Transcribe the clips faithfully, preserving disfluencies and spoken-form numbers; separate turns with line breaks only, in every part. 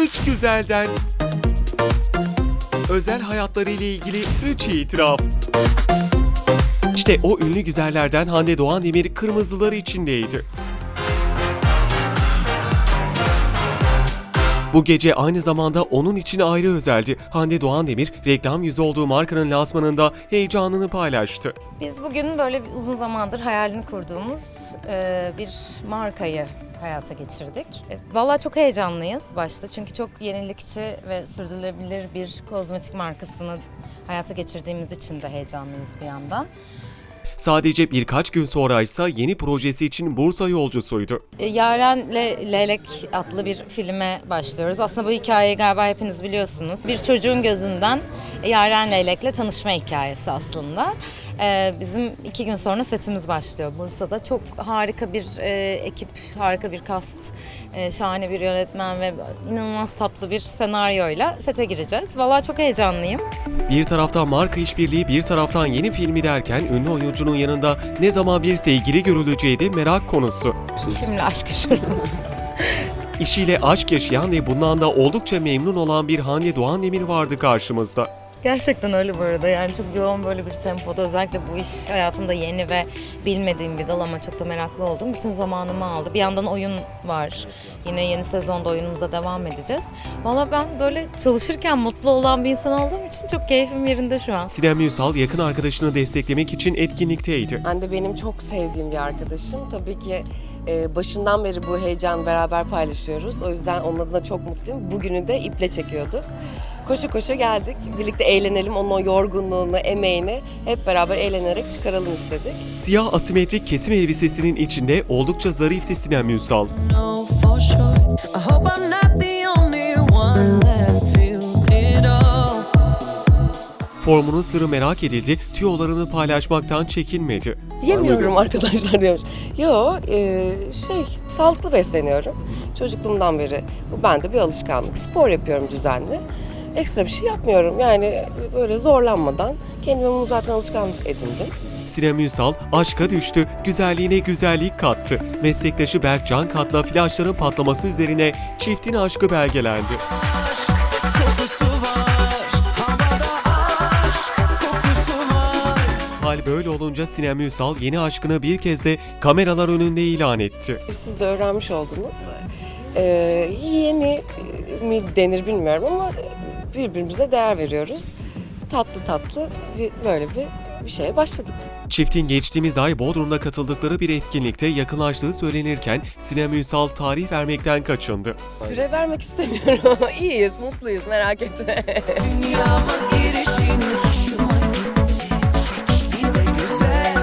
üç güzelden. Özel hayatları ile ilgili üç itiraf. İşte o ünlü güzellerden Hande Doğan Demir kırmızıları içindeydi. Bu gece aynı zamanda onun için ayrı özeldi. Hande Doğan Demir, reklam yüzü olduğu markanın lansmanında heyecanını paylaştı.
Biz bugün böyle uzun zamandır hayalini kurduğumuz e, bir markayı hayata geçirdik. E, Vallahi çok heyecanlıyız başta çünkü çok yenilikçi ve sürdürülebilir bir kozmetik markasını hayata geçirdiğimiz için de heyecanlıyız bir yandan.
Sadece birkaç gün sonra ise yeni projesi için Bursa yolcusuydu.
E, Yaren'le Leylek adlı bir filme başlıyoruz. Aslında bu hikayeyi galiba hepiniz biliyorsunuz. Bir çocuğun gözünden Yaren Leylek'le tanışma hikayesi aslında. Ee, bizim iki gün sonra setimiz başlıyor Bursa'da. Çok harika bir e, ekip, harika bir kast, e, şahane bir yönetmen ve inanılmaz tatlı bir senaryoyla sete gireceğiz. Vallahi çok heyecanlıyım.
Bir taraftan marka işbirliği, bir taraftan yeni filmi derken ünlü oyuncunun yanında ne zaman bir sevgili görüleceği de merak konusu.
Şimdi aşk yaşıyorum.
İşiyle aşk yaşayan ve bundan da oldukça memnun olan bir Hande Doğan Demir vardı karşımızda.
Gerçekten öyle bu arada. Yani çok yoğun böyle bir tempoda. Özellikle bu iş hayatımda yeni ve bilmediğim bir dal ama çok da meraklı oldum. Bütün zamanımı aldı. Bir yandan oyun var. Yine yeni sezonda oyunumuza devam edeceğiz. Valla ben böyle çalışırken mutlu olan bir insan olduğum için çok keyfim yerinde şu an.
Sinem Ünsal yakın arkadaşını desteklemek için etkinlikteydi.
Hande benim çok sevdiğim bir arkadaşım. Tabii ki e, başından beri bu heyecanı beraber paylaşıyoruz. O yüzden onun adına çok mutluyum. Bugünü de iple çekiyorduk. Koşu koşu geldik. Birlikte eğlenelim. Onun o yorgunluğunu, emeğini hep beraber eğlenerek çıkaralım istedik.
Siyah asimetrik kesim elbisesinin içinde oldukça zarifti Sinem Ünsal.
know for sure. I hope I'm not the only one that feels it all.
Formunun sırrı merak edildi, tüyolarını paylaşmaktan çekinmedi.
Yemiyorum arkadaşlar diyormuş. Yo, e, şey sağlıklı besleniyorum. Çocukluğumdan beri bu bende bir alışkanlık. Spor yapıyorum düzenli. Ekstra bir şey yapmıyorum. Yani böyle zorlanmadan kendime bunu zaten alışkanlık edindim.
Sinem Ünsal aşka düştü, güzelliğine güzellik kattı. Meslektaşı Berk Can Kat'la flaşların patlaması üzerine çiftin aşkı belgelendi.
Kokusu var, havada aşk kokusu var.
Hal böyle olunca Sinem Ünsal yeni aşkını bir kez de kameralar önünde ilan etti.
Siz de öğrenmiş oldunuz. Ee, yeni mi denir bilmiyorum ama birbirimize değer veriyoruz. Tatlı tatlı bir, böyle bir, bir şeye başladık.
Çiftin geçtiğimiz ay Bodrum'da katıldıkları bir etkinlikte yakınlaştığı söylenirken Sinem Ünsal tarih vermekten kaçındı.
Süre vermek istemiyorum ama iyiyiz, mutluyuz, merak etme.
Dünyama girişin hoşuma gitti. Şekli de güzel.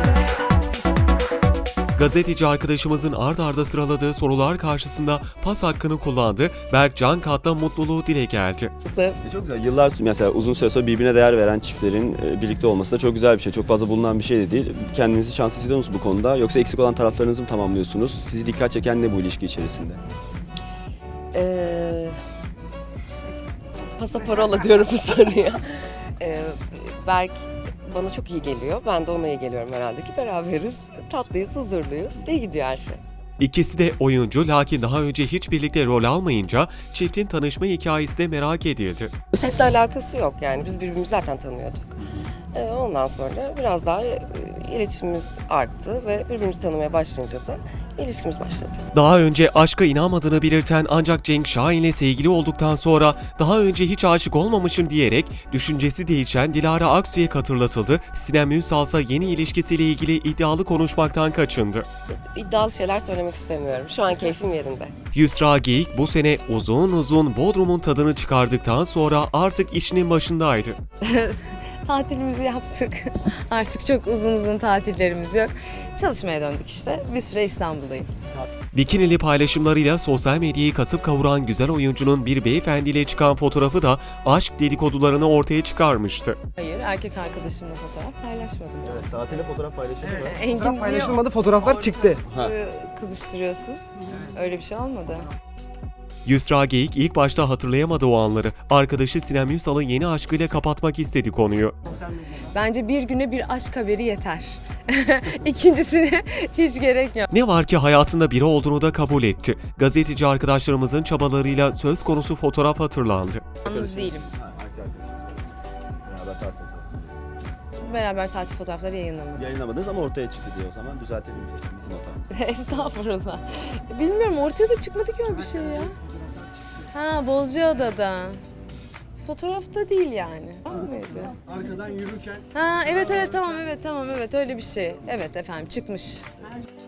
Gazeteci arkadaşımızın ard arda sıraladığı sorular karşısında pas hakkını kullandı. Berk Can Kat'la mutluluğu dile geldi.
E Çok güzel. Yıllar sonra mesela uzun süre sonra birbirine değer veren çiftlerin e, birlikte olması da çok güzel bir şey. Çok fazla bulunan bir şey de değil. Kendinizi şanslı hissediyor musunuz bu konuda? Yoksa eksik olan taraflarınızı mı tamamlıyorsunuz? Sizi dikkat çeken ne bu ilişki içerisinde?
Ee, pasaparola diyorum bu soruya. Ee, Berk bana çok iyi geliyor. Ben de ona iyi geliyorum herhalde ki beraberiz. Tatlıyız, huzurluyuz. İyi gidiyor her şey.
İkisi de oyuncu lakin daha önce hiç birlikte rol almayınca çiftin tanışma hikayesi de merak edildi.
Setle alakası yok yani biz birbirimizi zaten tanıyorduk. Ee, ondan sonra biraz daha e, iletişimimiz arttı ve birbirimizi tanımaya başlayınca da ilişkimiz başladı.
Daha önce aşka inanmadığını belirten ancak Cenk Şahin'le sevgili olduktan sonra daha önce hiç aşık olmamışım diyerek düşüncesi değişen Dilara Aksu'ya hatırlatıldı. Sinem Ünsal ise yeni ilişkisiyle ilgili iddialı konuşmaktan kaçındı.
İddialı şeyler söylemek istemiyorum. Şu an keyfim yerinde.
Yusra Geyik bu sene uzun uzun Bodrum'un tadını çıkardıktan sonra artık işinin başındaydı.
Tatilimizi yaptık. Artık çok uzun uzun tatillerimiz yok. Çalışmaya döndük işte. Bir süre İstanbul'dayım.
Bikinili paylaşımlarıyla sosyal medyayı kasıp kavuran güzel oyuncunun bir beyefendiyle çıkan fotoğrafı da aşk dedikodularını ortaya çıkarmıştı.
Hayır, erkek arkadaşımla fotoğraf paylaşmadım.
Evet, tatile fotoğraf paylaşıldı mı?
Engin
Fotoğraf
niye
paylaşılmadı, fotoğraflar çıktı.
Ha.
e, kızıştırıyorsun? Öyle bir şey olmadı.
Yusra Geyik ilk başta hatırlayamadı o anları. Arkadaşı Sinem Ünsal'ın yeni aşkıyla kapatmak istedi konuyu.
Bence bir güne bir aşk haberi yeter.
İkincisine hiç gerek yok.
Ne var ki hayatında biri olduğunu da kabul etti. Gazeteci arkadaşlarımızın çabalarıyla söz konusu fotoğraf hatırlandı.
Yalnız değilim.
Beraber tatil fotoğrafları.
Beraber tatil fotoğrafları yayınlamadım.
Yayınlamadınız ama ortaya çıktı diye o zaman düzeltelim bizim hatamız.
Estağfurullah. Bilmiyorum, ortaya da çıkmadı ki öyle bir şey ya. Ha, Bozcaada'da. Fotoğrafta değil yani. Var mıydı?
Arkadan yürürken
Ha evet evet tamam evet tamam evet öyle bir şey. Evet efendim çıkmış.